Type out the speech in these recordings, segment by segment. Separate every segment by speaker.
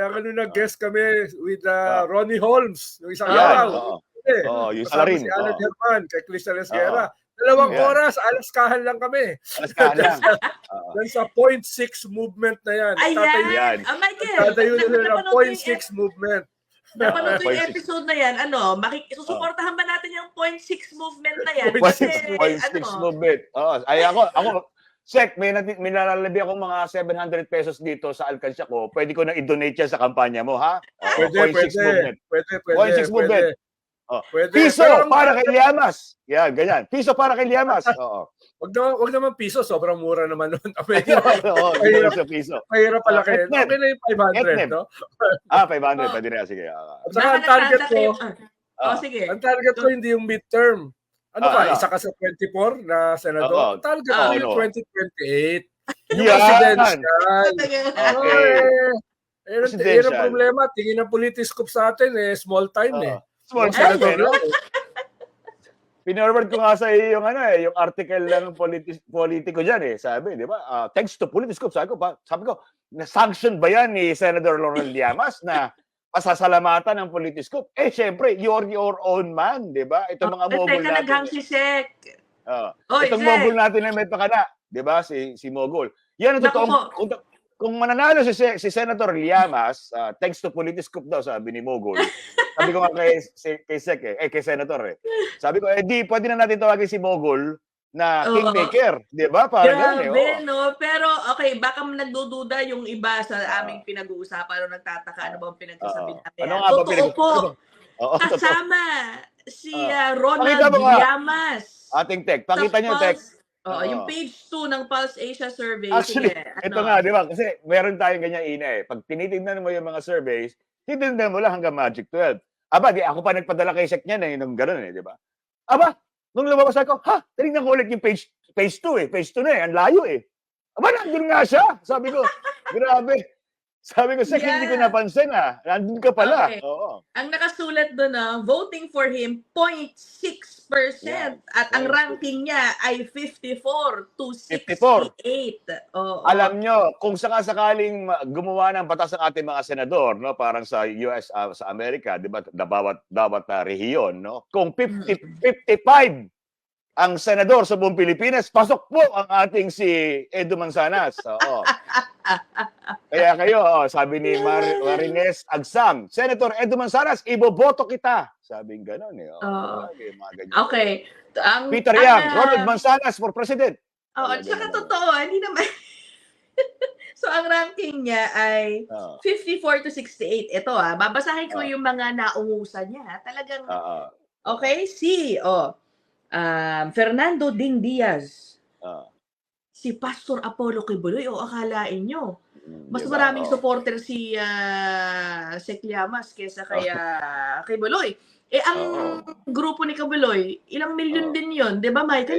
Speaker 1: Kaya ganun nag-guest kami with Ronnie Holmes, yung isang
Speaker 2: Yan,
Speaker 1: araw.
Speaker 2: yung
Speaker 1: Kasama
Speaker 2: salarin.
Speaker 1: si Alan Herman, kay Crystal Esguerra. 2 oras, alaskahan lang kami.
Speaker 2: Alaskahan lang.
Speaker 1: Yan sa 0.6 movement na yan.
Speaker 3: Ayan. Michael,
Speaker 1: Tatayo nila ng 0.6 movement.
Speaker 3: Napanood ko yung episode na yan, susuportahan ba natin yung 0.6 movement na yan?
Speaker 2: 0.6 movement. Ay ako, Sek, may nalalabi akong mga 700 pesos dito sa alkansya ko. Pwede ko na i-donate yan sa kampanya mo, ha?
Speaker 1: Pwede.
Speaker 2: 0.6 movement.
Speaker 1: Pwede.
Speaker 2: Piso para kay Llamas. Yan, ganyan. Piso para kay Llamas.
Speaker 1: Wag naman piso, sobrang mura naman nun.
Speaker 2: Mahirap sa piso.
Speaker 1: Mahirap pala kayo. Okay na yung 500, no?
Speaker 2: 500, pwede na. Sige.
Speaker 1: At saka ang target ko,
Speaker 3: sige.
Speaker 1: Ang target ko hindi yung midterm. Isa ka sa 24 na senador. Ang target ko yung 2028. Yung presidential. Yun ang problema. Tingin ng politiscope sa atin, small time
Speaker 2: Small time, no? Pinorward ko nga sa iyo yung article ng politiko diyan sabi, di ba? Thanks to Politiscope, sabi ko, na-sanction ba yan ni Senator Laurel Llamas na pasasalamatan ng Politiscope? Syempre, you're your own man, di ba? Ito mga mogul natin.
Speaker 3: Naghang si Sek.
Speaker 2: Itong mogul natin na may pakana, di ba? Si Mogul. Yan ang totoong, kung mananalo si Senator Llamas, thanks to Politiscope daw, sabi ni Mogul. Sabi ko nga kay Sek kay Senator Sabi ko, di pwede na natin tawagin si Mogul na kingmaker, di ba? Parang
Speaker 3: grabe, no? Pero, okay, baka nagdududa yung iba sa aming pinag-uusapan o nagtataka ano ba ang pinagsasabi natin. Totoo po. Kasama si Ronald Llamas.
Speaker 2: Ating tech. Pakita niyo, tech.
Speaker 3: Yung page 2 ng Pulse Asia survey.
Speaker 2: Actually, ito nga, di ba? Kasi meron tayong ganyan Pag tinitignan mo yung mga surveys, titignan mo lang hanggang Magic 12. Ako pa nagpadala kay Sek niyan nung gano'n di ba? Nung lumabas ako, tinignan ko ulit yung page 2 Page 2 na ang layo nandun nga siya. Sabi ko, grabe. Sabi ko, Sek, hindi ko napansin nandun ka pala.
Speaker 3: Okay. Ang nakasulat doon voting for him, 0.6%. At ang ranking niya ay 54 to 68.
Speaker 2: Alam nyo, kung sakasakaling gumawa ng batas ng ating mga senador, no, parang sa US, sa Amerika, di ba, bawat rehiyon, no? Kung 55 ang senador sa buong Pilipinas, pasok po ang ating si Edu Manzanas. Kaya kayo, sabi ni Marines Agsam, Senator Edu Manzanas, iboboto kita. Sabing gano'n
Speaker 3: Okay.
Speaker 2: Peter Yang, Ronald Manzanas for President.
Speaker 3: At saka totoo, hindi naman. So, ang ranking niya ay 54 to 68. Ito babasahin ko yung mga naungusan niya. Talagang, okay, Fernando Ding Diaz. Si Pastor Apollo Kibuloy, akalain nyo. Mas maraming supporter si Sek Llamas kesa kay Kibuloy. Ang grupo ni Kibuloy, ilang milyon din yun. Di ba, Michael?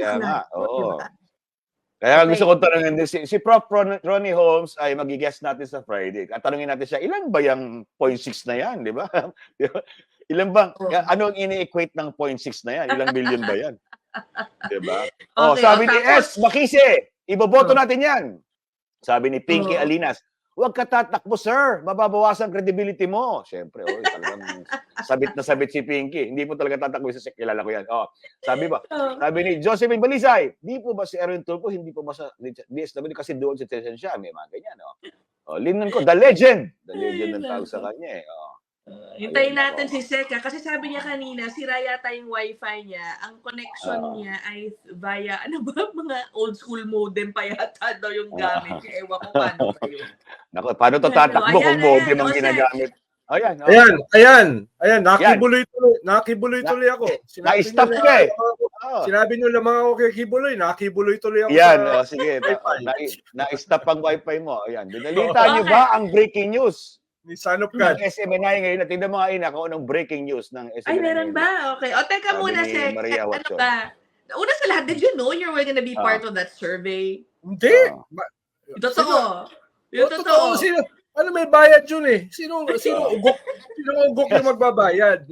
Speaker 2: Kaya gusto ko tanongin din, si Prof. Ronnie Holmes ay mag-guest natin sa Friday. At tanongin natin siya, ilan ba yung 0.6 na yan? Di ba? Ilan bang, ano ang ini-equate ng 0.6 na yan? Ilang billion ba yan? Diba? Sabi ni S. Makise, iboboto natin yan. Sabi ni Pinky Alinas, huwag ka tatakbo, sir. Mababawasan credibility mo. Siyempre, talagang sabit na sabit si Pinky. Hindi po talaga tatakbo sa kilala ko yan. Sabi ni Josephine Balisay, di po ba si Erwin Tulfo, hindi po ba sa DSW kasi doon sa station siya. May mga ganyan. Linan ko, the legend. The legend ng tawag sa kanya.
Speaker 3: Hintayin natin si Seka kasi sabi niya kanina, sira yata yung wifi niya. Ang connection niya ay via, mga old school modem pa yata daw yung gamit. Ewan ko paano kayo.
Speaker 2: Naku, paano to tatakbo kung modem ang ginagamit?
Speaker 1: Ayan. Nakibuloy tuloy ako.
Speaker 2: Na-stop ka
Speaker 1: Sinabi nyo lamang ako kay Kibuloy, nakibuloy tuloy ako.
Speaker 2: Sige. Na-stop ang wifi mo. Ayan. Dinalita niyo ba ang breaking news?
Speaker 1: Ni Son of God.
Speaker 2: SMNI ngayon. Tingnan mo kung anong breaking news ng SMNI.
Speaker 3: Ay, meron ba? Okay. Teka muna, Sek. Ano ba? Una sa lahat, did you know you were gonna be part of that survey?
Speaker 1: Hindi.
Speaker 3: Totoo.
Speaker 1: Totoo. Ano may bayad yun Sino ugok yung magbabayad?